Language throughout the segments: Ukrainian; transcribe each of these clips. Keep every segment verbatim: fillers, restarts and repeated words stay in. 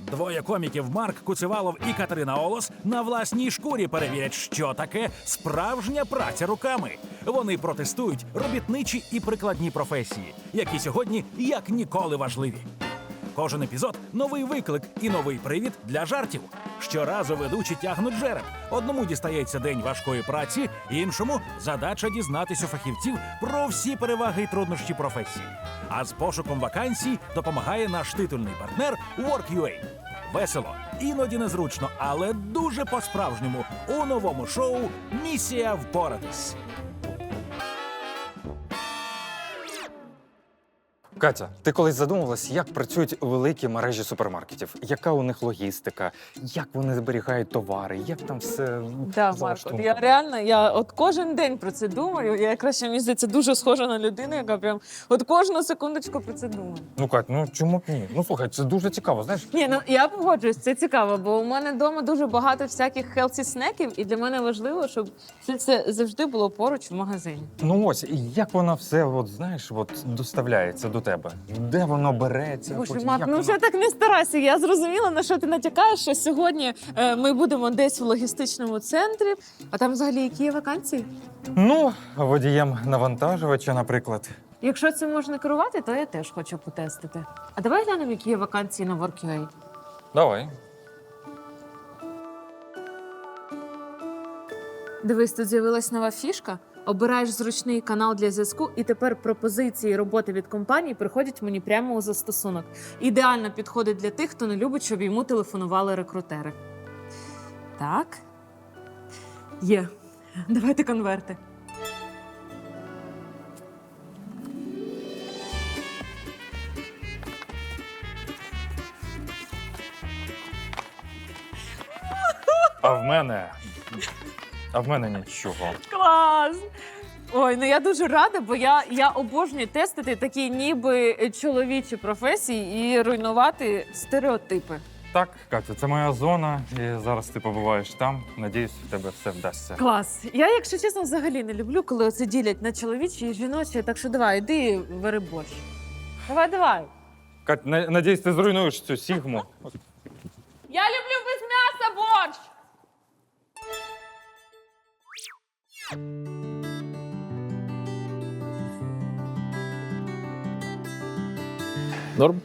Двоє коміків Марк Куцевалов і Катерина Олос на власній шкурі перевірять, що таке справжня праця руками. Вони протестують робітничі і прикладні професії, які сьогодні як ніколи важливі. Кожен епізод – новий виклик і новий привід для жартів. Щоразу ведучі тягнуть жереб. Одному дістається день важкої праці, іншому – задача дізнатись у фахівців про всі переваги і труднощі професії. А з пошуком вакансій допомагає наш титульний партнер Work.ua. Весело, іноді незручно, але дуже по-справжньому у новому шоу «Місія впоратись». Катя, ти колись задумувалась, як працюють великі мережі супермаркетів? Яка у них логістика? Як вони зберігають товари? Як там все Да, Марко, залаштовано? я реально, я от кожен день про це думаю. Я якраз ще, мені здається, дуже схожа на людину, яка прям от кожну секундочку про це думає. Ну, Кать, ну чому б ні? Ну, слухай, це дуже цікаво, знаєш? Ні, ну я погоджуюсь, це цікаво, бо у мене вдома дуже багато всяких хелсі снеків, і для мене важливо, щоб все це завжди було поруч в магазині. Ну ось, і як воно все, от, знаєш, от, доставляється до тебе? Де воно береться? Боже, потім, Марк, як ну воно- вже так не старайся. Я зрозуміла, на що ти натякаєш, що сьогодні е, ми будемо десь в логістичному центрі, а там взагалі які є вакансії? Ну, водієм навантажувача, наприклад. Якщо це можна керувати, то я теж хочу потестити. А давай глянемо, які є вакансії на Work.ua. Давай. Дивись, тут з'явилась нова фішка. Обираєш зручний канал для зв'язку, і тепер пропозиції роботи від компанії приходять мені прямо у застосунок. Ідеально підходить для тих, хто не любить, щоб йому телефонували рекрутери. Так. Є. Давайте конверти. А в мене. А в мене нічого. Клас! Ой, ну я дуже рада, бо я, я обожнюю тестити такі ніби чоловічі професії і руйнувати стереотипи. Так, Катя, це моя зона, і зараз ти побуваєш там. Надіюсь, в тебе все вдасться. Клас. Я, якщо чесно, взагалі не люблю, коли оце ділять на чоловічі і жіночі, так що давай, іди вари борщ. Давай, давай. Кать, на- надіюсь, ти зруйнуєш цю сігму. Я люблю без м'яса борщ! Норм?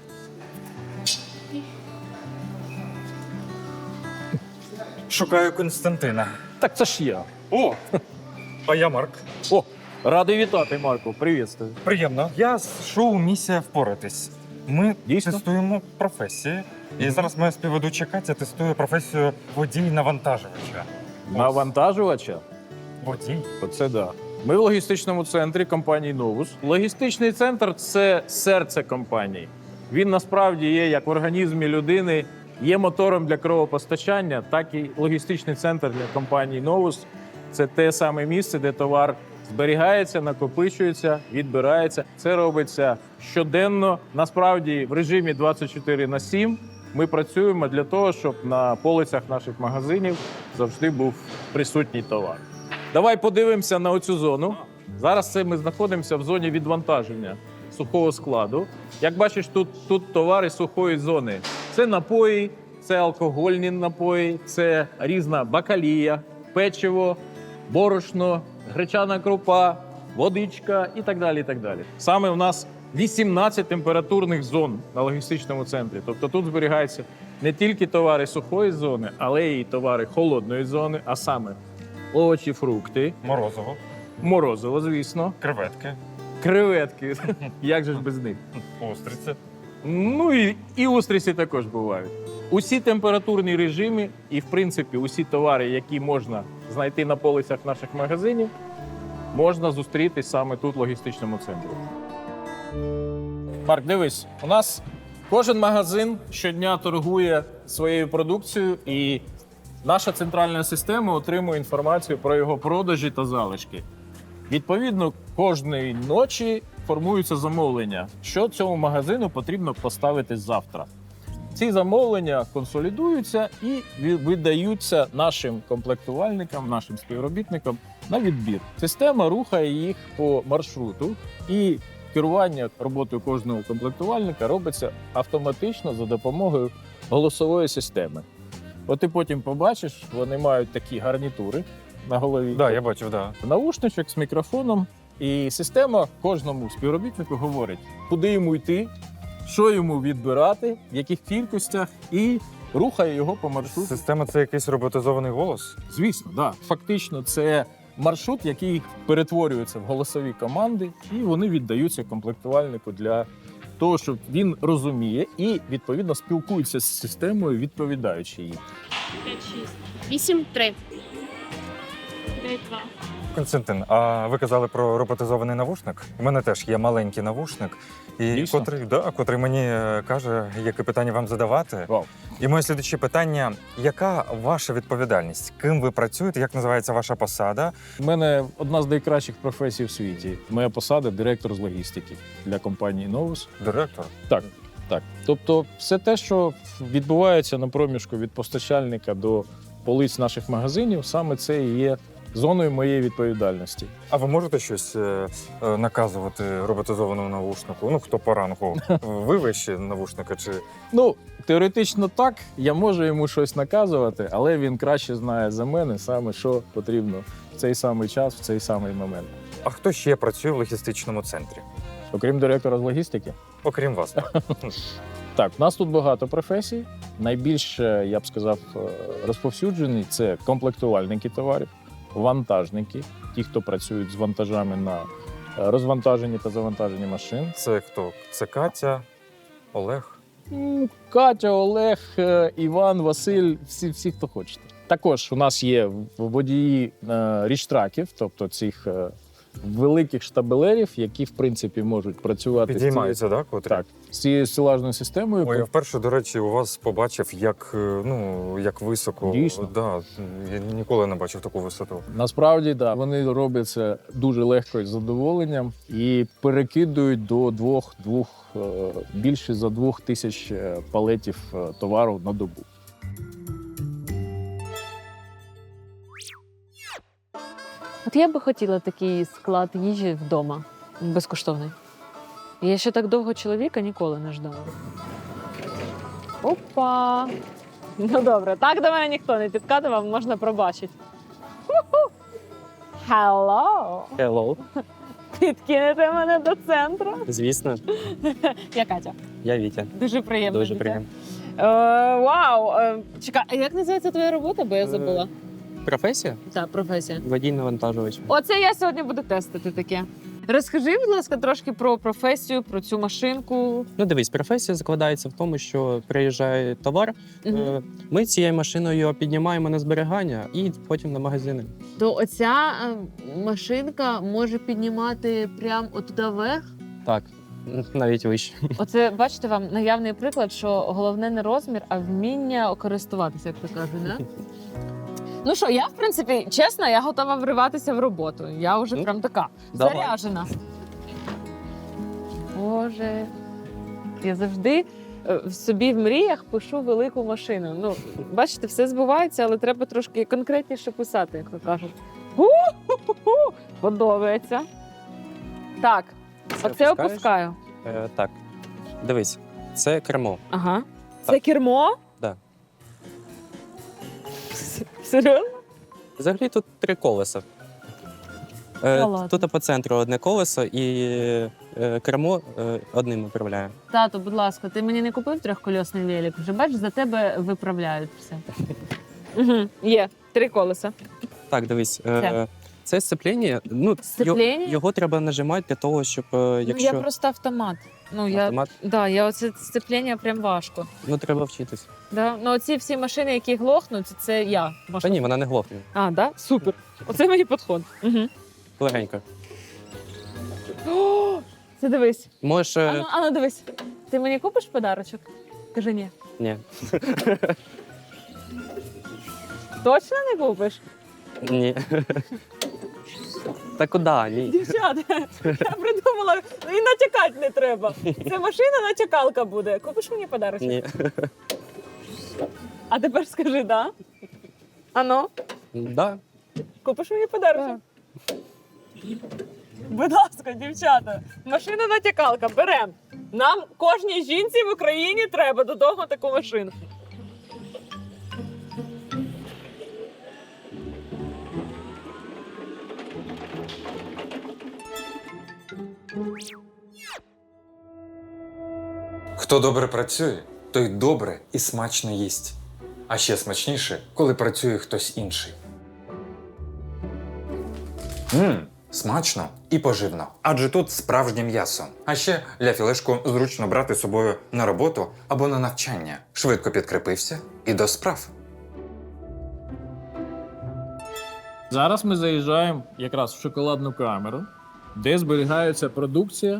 Шукаю Константина. Так це ж я. О! А я Марк. О, радий вітати, Марко. Привітствую. Приємно. Я з шоу «Місія впоратись». Ми Дійсно? тестуємо професії. І зараз моя співведуча Катя тестує професію водій-навантажувача. Навантажувача? Водій? Оце да. Ми в логістичному центрі компанії Новус. Логістичний центр – це серце компанії. Він насправді є як в організмі людини, є мотором для кровопостачання, так і логістичний центр для компанії Новус – це те саме місце, де товар зберігається, накопичується, відбирається. Це робиться щоденно. Насправді в режимі двадцять чотири на сім ми працюємо для того, щоб на полицях наших магазинів завжди був присутній товар. Давай подивимося на оцю зону. Зараз це ми знаходимося в зоні відвантаження сухого складу. Як бачиш, тут, тут товари сухої зони. Це напої, це алкогольні напої, це різна бакалія, печиво, борошно, гречана крупа, водичка і так далі. І так далі. Саме у нас вісімнадцять температурних зон на логістичному центрі. Тобто тут зберігаються не тільки товари сухої зони, але й товари холодної зони, а саме овочі, фрукти, Морозово. морозиво, звісно, Креветки. креветки. Як же ж без них? Устриці. Ну і, і устриці також бувають. Усі температурні режими і, в принципі, усі товари, які можна знайти на полицях наших магазинів, можна зустріти саме тут, в логістичному центрі. Марк, дивись, у нас кожен магазин щодня торгує своєю продукцією, і наша центральна система отримує інформацію про його продажі та залишки. Відповідно, кожної ночі формуються замовлення, що цьому магазину потрібно поставити завтра. Ці замовлення консолідуються і видаються нашим комплектувальникам, нашим співробітникам на відбір. Система рухає їх по маршруту, і керування роботою кожного комплектувальника робиться автоматично за допомогою голосової системи. От ти потім побачиш, вони мають такі гарнітури на голові. Так, да, я бачив, так. Да. Наушничок з мікрофоном. І система кожному співробітнику говорить, куди йому йти, що йому відбирати, в яких кількостях, і рухає його по маршруту. Система це якийсь роботизований голос? Звісно, так. Да. Фактично, це маршрут, який перетворюється в голосові команди, і вони віддаються комплектувальнику для того, щоб він розуміє і, відповідно, спілкується з системою, відповідаючи їй. п'ять, шість, вісім, три. дев'ять, два. Константин, а ви казали про роботизований навушник? У мене теж є маленький навушник, і Дійсно? котрий, да, котрий мені е, каже, яке питання вам задавати. Вау. І моє слідче питання: яка ваша відповідальність? Ким ви працюєте? Як називається ваша посада? У мене одна з найкращих професій в світі. Моя посада – директор з логістики для компанії Novus. Директор? Так, так. Тобто все те, що відбувається на проміжку від постачальника до полиць наших магазинів, саме це і є зоною моєї відповідальності. А ви можете щось е, е, наказувати роботизованому навушнику? Ну, хто по рангу? Ви вище навушника чи Ну, теоретично так, я можу йому щось наказувати, але він краще знає за мене саме, що потрібно в цей самий час, в цей самий момент. а хто ще працює в логістичному центрі? Окрім директора з логістики. Окрім вас, так? Так, в нас тут багато професій. Найбільш, е, я б сказав, е, розповсюджений – це комплектувальники товарів, вантажники, ті, хто працюють з вантажами на е, розвантаженні та завантаженні машин. Це хто? Це Катя, Олег? М, Катя, Олег, е, Іван, Василь, всі, всі, хто хочете. Також у нас є водії е, річтраків, тобто цих е, великих штабелерів, які, в принципі, можуть працювати з цією- Підіймаються, так? Котрі? так, з цією силажною системою. Ой, я вперше, до речі, у вас побачив, як, е, ну, як високо. Дійсно. Да, я ніколи не бачив таку висоту. Насправді, да, вони роблять це дуже легко і з задоволенням і перекидують до двох, двох е, більше за двох тисяч е, палетів е, товару на добу. От я би хотіла такий склад їжі вдома, безкоштовний. Я ще так довго чоловіка ніколи не ждала. Опа! Ну добре, так до мене ніхто не підкатував, можна пробачити. Hello! Hello. Підкинете мене до центру? Звісно, Я Катя. я Вітя. Дуже приємно. Дуже Вітя. приємно. Е, вау! Е, чекай, а як називається твоя робота, бо я забула? Професія? Так, професія. Водій-навантажувач. Оце я сьогодні буду тестити таке. Розкажи, будь ласка, трошки про професію, про цю машинку. Ну, дивись, професія закладається в тому, що приїжджає товар, Мгм. е, ми цією машиною його піднімаємо на зберігання і потім на магазини. То оця е, машинка може піднімати прямо отуди вверх. Так, навіть вище. Оце, бачите, вам наявний приклад, що головне не розмір, а вміння користуватися, як то кажуть, да? Ну що, я, в принципі, чесно, я готова вриватися в роботу. Я вже Ну, прям така давай. заряжена. Боже, я завжди е, в собі в мріях пишу велику машину. Ну, бачите, все збувається, але треба трошки конкретніше писати, як то кажуть. Ху-ху-ху! Подобається. Так, Це оце опускаєш? опускаю. Е, так, дивись, це кермо. Ага. Це Так. кермо? Да. Серйозно? Взагалі тут три колеса. Та Е, ладно. тут по центру одне колесо і е, кермо е, одним управляє. Тато, будь ласка, ти мені не купив трьохкольосний велик? Вже бачиш, за тебе виправляють все. Угу. Є, три колеса. Так, дивись, е, Це. це сцеплення. Ну, його, Сцеплення? його треба нажимати для того, щоб е, якщо Ну, я просто автомат. Ну, я, автомат, да, я оце сцеплення прям важко. ну треба вчитись. Да? Ну, оці всі машини, які глохнуть, це я. Та Можна... ні, вона не глохне. А, да? Супер. Оце мені підход. Угу. Легенько. О, це дивись. Можеш. е, Ану, ану, дивись. Ти мені купиш подарочок? Кажи ні. Ні. Точно не купиш? Ні. Та куди? Ні. Дівчата, я придумала, і натякати не треба. Це машина натякалка буде. Купиш мені подарочок? Ні. А тепер скажи, да? Ано, Да. купиш мені подарочок? Будь ласка, дівчата, машина натякалка, берем. Нам кожній жінці в Україні треба додому таку машину. Хто добре працює, той добре і смачно їсть. А ще смачніше, коли працює хтось інший. Мм, смачно і поживно. Адже тут справжнє м'ясо. А ще ля-філешку зручно брати з собою на роботу або на навчання. Швидко підкріпився і до справ. Зараз ми заїжджаємо якраз в шоколадну камеру, де зберігається продукція.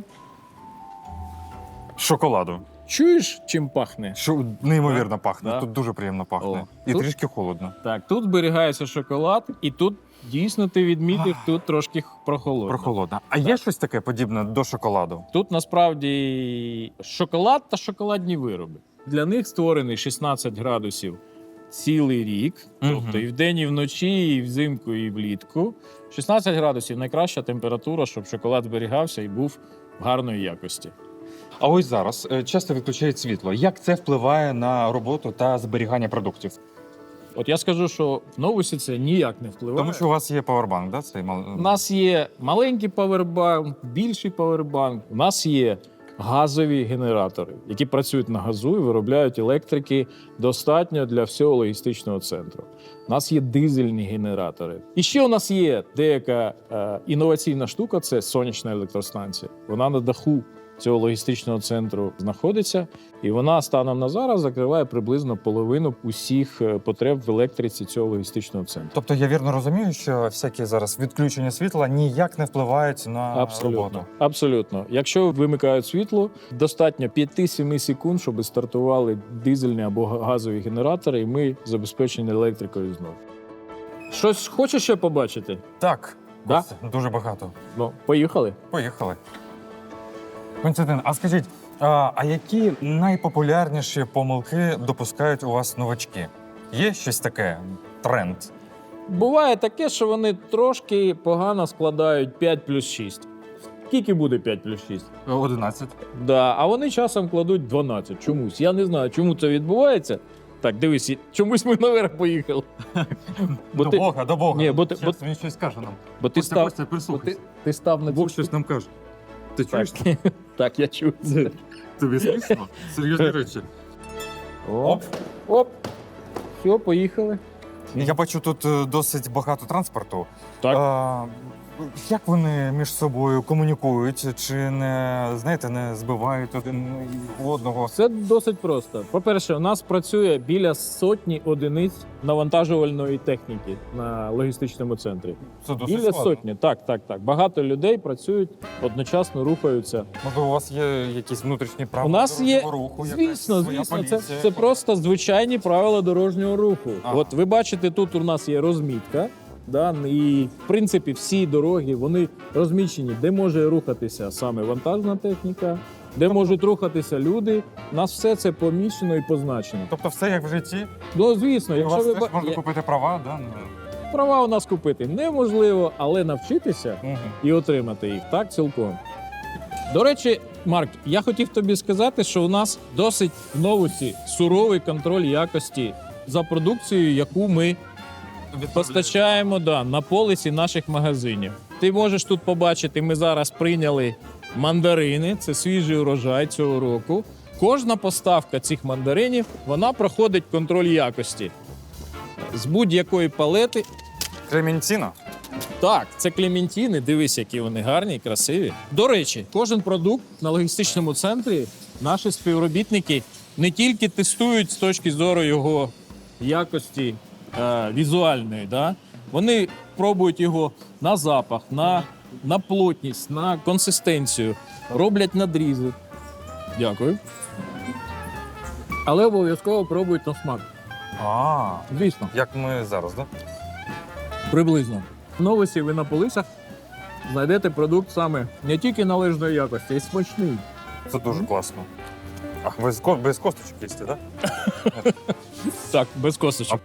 Шоколаду. Чуєш, чим пахне? Що неймовірно пахне. Да. Тут дуже приємно пахне. О, І тут- трішки холодно. Так, тут зберігається шоколад, і тут дійсно ти відмітив, тут трошки прохолодно. Прохолодно. А є щось таке подібне до шоколаду? Тут насправді шоколад та шоколадні вироби. Для них створений шістнадцять градусів цілий рік, Мгм. тобто і вдень, і вночі, і взимку, і влітку. шістнадцять градусів найкраща температура, щоб шоколад зберігався і був гарної якості. А ось зараз е, часто відключають світло. Як це впливає на роботу та зберігання продуктів? От я скажу, що в новусі це ніяк не впливає. Тому що у вас є павербанк, да? Цей мал... У нас є маленький павербанк, більший павербанк. У нас є газові генератори, які працюють на газу і виробляють електрики достатньо для всього логістичного центру. У нас є дизельні генератори. І ще у нас є деяка е, інноваційна штука це сонячна електростанція. Вона на даху цього логістичного центру знаходиться, і вона станом на зараз закриває приблизно половину усіх е, потреб в електриці цього логістичного центру. Тобто я вірно розумію, що всякі зараз відключення світла ніяк не впливають на Абсолютно. роботу. Абсолютно. Якщо вимикають світло, достатньо п'ять-сім секунд, щоб стартували дизельні або газові генератори, і ми забезпечені електрикою знову. Щось хочеш ще побачити? Так, Да? ось дуже багато. Ну, поїхали. Поїхали. Константин, а скажіть, а, а які найпопулярніші помилки допускають у вас новачки? Є щось таке? Тренд? Буває таке, що вони трошки погано складають п'ять плюс шість. Скільки буде п'ять плюс шість? одинадцять. Да, а вони часом кладуть дванадцять чомусь. Я не знаю, чому це відбувається. Так, дивись, і- чомусь ми наверх поїхали. Бо До ти- Бога, до Бога. Ні, бо ти- Щас бо- він щось каже нам. Бо ти Костя, став, Костя, бо ти, прислухайся. ти став на Бог цю... щось нам каже. Ти чуєш? Так, так, я чую. Тобі смішно? Серйозні речі. Оп, оп. Все, поїхали. Я бачу тут е, досить багато транспорту. Так. А, як вони між собою комунікують? Чи не, знаєте, не збивають один одного? Все досить просто. По-перше, у нас працює біля сотні одиниць навантажувальної техніки на логістичному центрі. Це досить Біля складно. сотні, так, так, так. Багато людей працюють, одночасно рухаються. Можливо, у вас є якісь внутрішні правила У нас є, дорожнього руху? якась звісно, своя звісно, це, поліція? це просто звичайні правила дорожнього руху. Ага. От ви бачите, тут у нас є розмітка. Да, і в принципі всі дороги вони розміщені, де може рухатися саме вантажна техніка, де можуть рухатися люди. У нас все це поміщено і позначено. Тобто все як в житті? Ну, звісно, У якщо вас ви теж ба- можна є- купити права, да? Ну, права у нас купити неможливо, але навчитися мгм. і отримати їх так цілком. До речі, Марк, я хотів тобі сказати, що у нас досить в новусі суровий контроль якості за продукцією, яку ми постачаємо да, на полиці наших магазинів. Ти можеш тут побачити, ми зараз прийняли мандарини, це свіжий урожай цього року. Кожна поставка цих мандаринів вона проходить контроль якості з будь-якої палети. Клементіно? Так, це клементіни. Дивись, які вони гарні і красиві. До речі, кожен продукт на логістичному центрі наші співробітники не тільки тестують з точки зору його якості е, візуальної, да? Вони пробують його на запах, на, на плотність, на консистенцію, роблять надрізи. Дякую. Але обов'язково пробують на смак. А, Звісно. як ми зараз, так? Да? Приблизно. В новості ви на полицях знайдете продукт саме не тільки належної якості, а й смачний. Це дуже класно. А без, ко- без косточок їсти, так? Так, без косточок.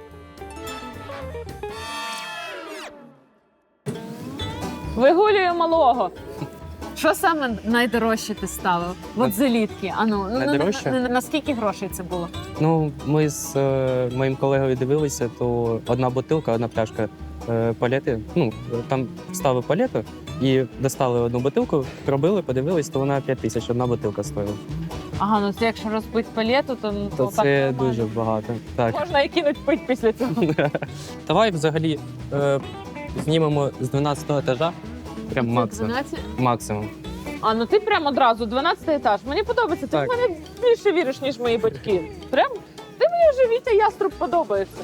Вигулює малого. Що саме найдорожче ти ставив? От залітки. А ну, ну, Найдорожче? на, на, на скільки грошей це було? Ну, ми з е, моїм колегою дивилися, то одна бутилка, одна пляшка е, палети. Ну, там ставили палету і достали одну бутилку, пробили, подивились, то вона п'ять тисяч, одна бутилка стоїла. Ага, ну це якщо розбити палету, то, ну, То так це нормально. дуже багато. Так. Можна і кинуть пить після цього. Давай взагалі е, знімемо з дванадцятого етажа. Прям максимум. дванадцять? Максимум. А, ну ти прям одразу, дванадцятий етаж. Мені подобається, ти Так. в мене більше віриш, ніж мої батьки. Прям? Ти мені вже, Вітя Яструб, подобається.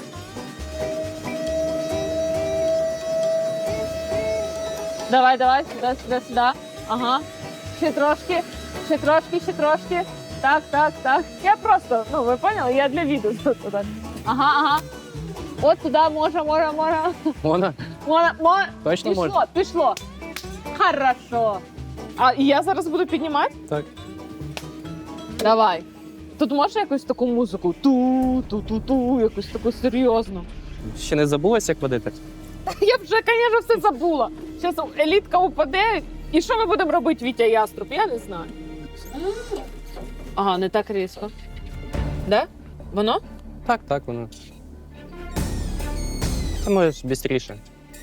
Давай, давай, сюди, сюди, сюди. Ага. Ще трошки, ще трошки, ще трошки. Так, так, так. Я просто, ну ви поняли, я для відео тут. Ага, ага. От туди може, може, може. Вона Можна, можна. точно Пішло, може? пішло. Хорошо. А і я зараз буду піднімати? Так. Давай. Тут можна якусь таку музику? Ту-ту-ту-ту, якусь таку серйозну. Ще не забулась, як водити? Я вже, звісно, все забула. Зараз елітка упаде. І що ми будемо робити, Вітя Яструб? Я не знаю. Ага, не так різко. Де? Воно? Так, так, воно. Ти можеш швидше.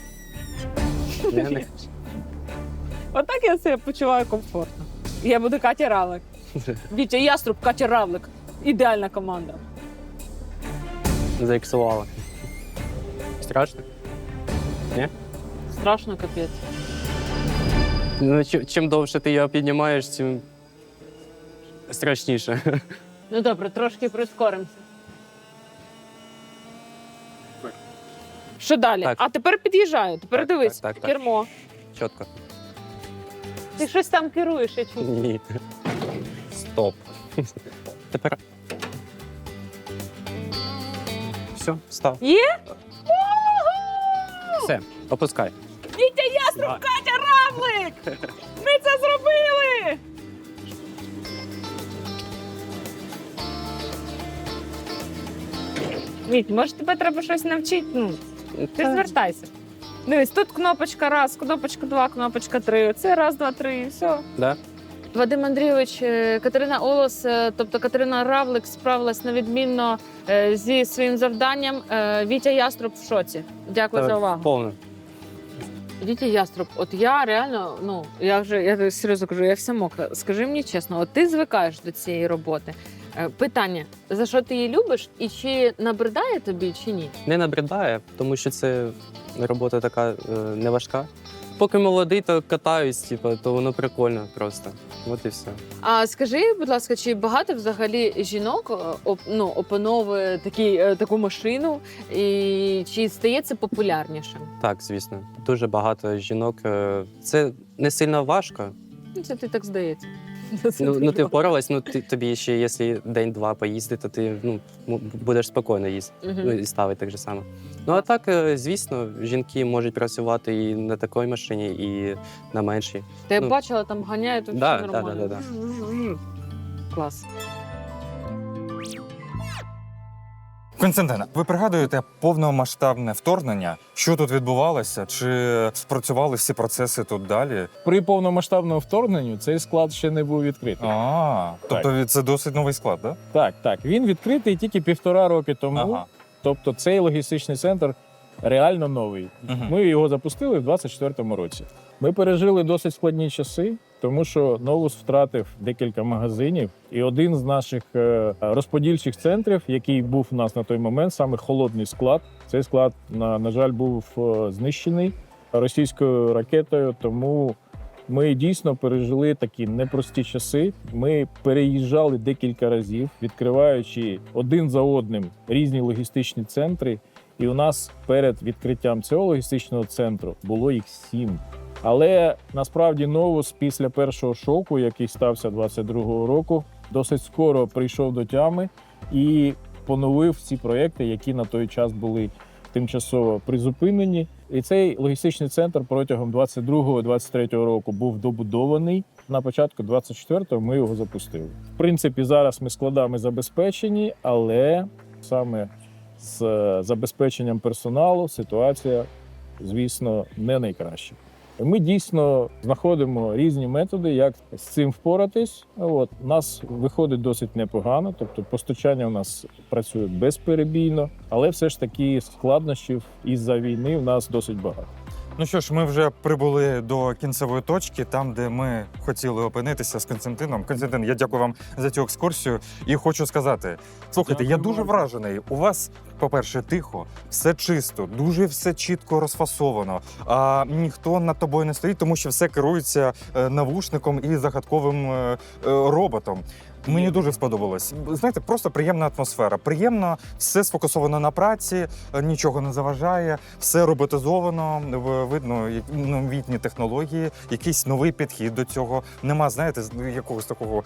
Я не- Отак я себе почуваю комфортно. Я буду Катя Равлик. Вітя Яструб, Катя Равлик. Ідеальна команда. Заіксувала. Страшно? Страшно, капець. Ну, чим, чим довше ти його піднімаєш, тим страшніше. Ну добре, трошки прискоримося. Що далі? Так. А тепер під'їжджаю. Тепер Так, дивись, так, так, так. кермо. Чітко. Ти щось там керуєш, я чую. Ні. Стоп. Тепер. Все, став. Є? Все, опускай. Вітя Яструб, Давай. Катя Равлик! Ми це зробили! Віть, може тебе треба щось навчити? Ну, ти звертайся. Дивись, тут кнопочка раз, кнопочка два, кнопочка три. Оце раз, два, три, і все. Да? Вадим Андрійович, е, Катерина Олос, е, тобто Катерина Равлик справилась невідмінно е, зі своїм завданням. Е, Вітя Яструб в шоці. Дякую за увагу. Повно. Вітя Яструб, от я реально, ну я вже я серйозно кажу, я вся мокра. Скажи мені чесно, от ти звикаєш до цієї роботи. Е, Питання: за що ти її любиш, і чи набридає тобі, чи ні? Не набридає, тому що це робота така е, не важка. Поки молодий, то катаюсь, типу, то воно прикольно просто. От і все. А скажи, будь ласка, чи багато взагалі жінок е, оп, ну, опановує такі, е, таку машину, і чи стає це популярнішим? Так, звісно. Дуже багато жінок. е, Це не сильно важко. Ну, це ти так здається. Ну, ну ти впоралась, ну ти, тобі ще, якщо день-два поїздити, то ти ну, м- будеш спокійно їздити. Мгм. Ну, і ставити так же само. Ну а так, е, звісно, жінки можуть працювати і на такій машині, і на меншій. Та я ну, бачила, там ганяють, то да, все да, нормально. да, да, Клас. Константина, ви пригадуєте повномасштабне вторгнення? Що тут відбувалося? Чи спрацювали всі процеси тут далі? При повномасштабному вторгненню цей склад ще не був відкритий. А, тобто це досить новий склад, так? Так, так. Він відкритий тільки півтора роки тому. Ага. Тобто цей логістичний центр реально новий. Мгм. Ми його запустили в двадцять четвертому році. Ми пережили досить складні часи, тому що Новус втратив декілька магазинів, і один з наших е, розподільчих центрів, який був у нас на той момент, саме холодний склад. Цей склад, на, на жаль, був е, знищений російською ракетою, тому ми дійсно пережили такі непрості часи. Ми переїжджали декілька разів, відкриваючи один за одним різні логістичні центри. І у нас перед відкриттям цього логістичного центру було їх сім. Але насправді Новус після першого шоку, який стався двадцять другого року, досить скоро прийшов до тями і поновив ці проекти, які на той час були тимчасово призупинені. І цей логістичний центр протягом двадцять другого - двадцять третього року був добудований. На початку двадцять четвертого ми його запустили. В принципі, зараз ми складами забезпечені, але саме з забезпеченням персоналу ситуація, звісно, не найкраща. Ми дійсно знаходимо різні методи, як з цим впоратись. От у нас виходить досить непогано, тобто постачання у нас працює безперебійно, але все ж таки складнощів із-за війни в нас досить багато. Ну що ж, ми вже прибули до кінцевої точки, там, де ми хотіли опинитися з Константином. Константин, я дякую вам за цю екскурсію і хочу сказати: слухайте, я дуже вражений. У вас, по-перше, тихо, все чисто, дуже все чітко розфасовано. А ніхто над тобою не стоїть, тому що все керується е, навушником і загадковим е, е, роботом. Мені дуже сподобалось. Знаєте, просто приємна атмосфера. Приємно, все сфокусовано на праці, нічого не заважає, все роботизовано, в- видно як- новітні технології, якийсь новий підхід до цього. Нема, знаєте, з- якогось такого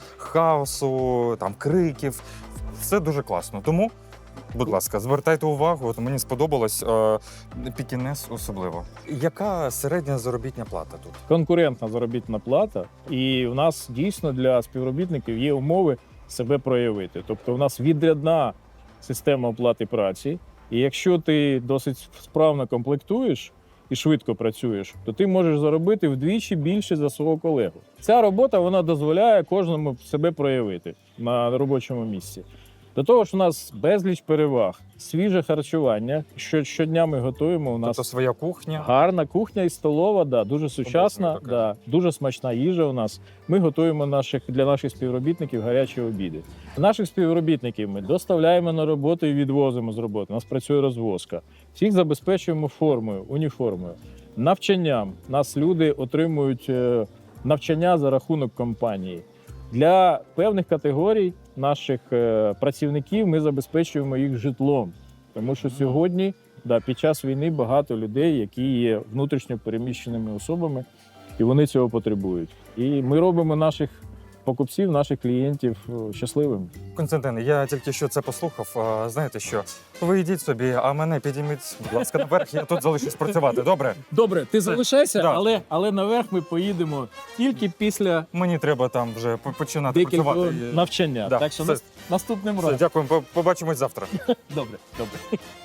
хаосу, там криків. Все дуже класно. Тому, будь ласка, звертайте увагу. От мені сподобалось е, Пікінес особливо. Яка середня заробітня плата тут? Конкурентна заробітна плата, і в нас дійсно для співробітників є умови себе проявити. Тобто, у нас відрядна система оплати праці, і якщо ти досить справно комплектуєш і швидко працюєш, то ти можеш заробити вдвічі більше за свого колегу. Ця робота вона дозволяє кожному себе проявити на робочому місці. До того ж, у нас безліч переваг, свіже харчування. Що щодня ми готуємо. У нас Тобто своя кухня. гарна кухня і столова, да, дуже сучасна, така. да, дуже смачна їжа у нас. Ми готуємо наших, для наших співробітників гарячі обіди. Наших співробітників ми доставляємо на роботу і відвозимо з роботи. У нас працює розвозка. Всіх забезпечуємо формою, уніформою. Навчанням. Нас люди отримують е, навчання за рахунок компанії. Для певних категорій наших е, працівників ми забезпечуємо їх житлом. Тому що сьогодні, да, під час війни багато людей, які є внутрішньо переміщеними особами, і вони цього потребують. І ми робимо наших покупців, наших клієнтів е, щасливими. Константин, я тільки що це послухав. А, знаєте що? Ви йдіть собі, а мене підійміть, будь ласка, наверх, я тут залишусь працювати. Добре? Добре, ти залишайся, Да. але, але наверх ми поїдемо тільки після Мені треба там вже по- починати декількох працювати. навчання. Да, Так що все. нас- наступним Все, разом. дякую, по- побачимось завтра. Добре, добре.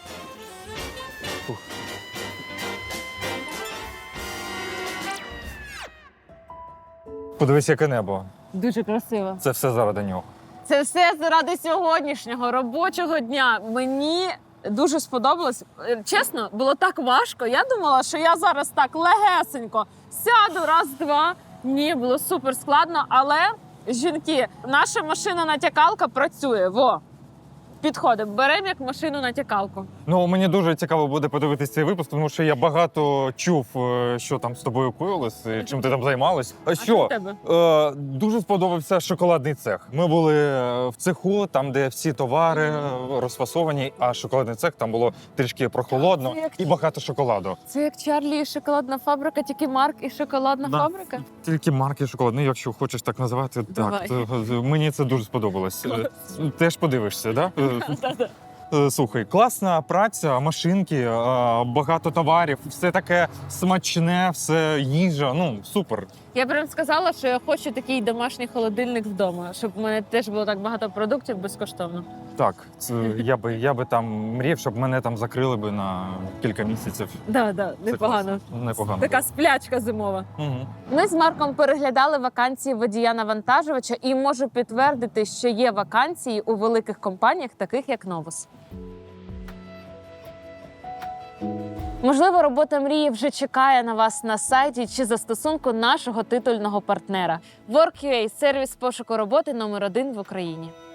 Подивись, яке небо. Дуже красиво. Це все заради нього. Це все заради сьогоднішнього робочого дня. Мені дуже сподобалось. Е, Чесно, було так важко. Я думала, що я зараз так легесенько сяду, раз-два. Ні, було супер складно, але жінки, наша машина-натякалка працює. Во. Підходимо, беремо як машину-натякалку. Ну, мені дуже цікаво буде подивитися цей випуск, тому що я багато чув, е, що там з тобою коїлось, і чим ти там займалась. А що що? в тебе? Е, дуже сподобався шоколадний цех. Ми були е, в цеху, там, де всі товари е, розфасовані, а шоколадний цех там було трішки прохолодно Це як- і багато шоколаду. Це як Чарлі і шоколадна фабрика, тільки Марк і шоколадна Да. фабрика? Тільки марки шоколадний, якщо хочеш так називати. Давай. Так, то, мені це дуже сподобалось. Е, Теж подивишся, так? Да? Е, Слухай, класна праця, машинки, е, багато товарів, все таке смачне, все їжа. Ну, супер. Я прям сказала, що я хочу такий домашній холодильник вдома, щоб у мене теж було так багато продуктів безкоштовно. Так, це, я би я би там мріяв, щоб мене там закрили би на кілька місяців. Да, да, Це непогано. класно. Непогано. Така сплячка зимова. Угу. Ми з Марком переглядали вакансії водія-навантажувача і можу підтвердити, що є вакансії у великих компаніях, таких як Novus. Можливо, робота мрії вже чекає на вас на сайті чи застосунку нашого титульного партнера. WorkUA – сервіс пошуку роботи номер один в Україні.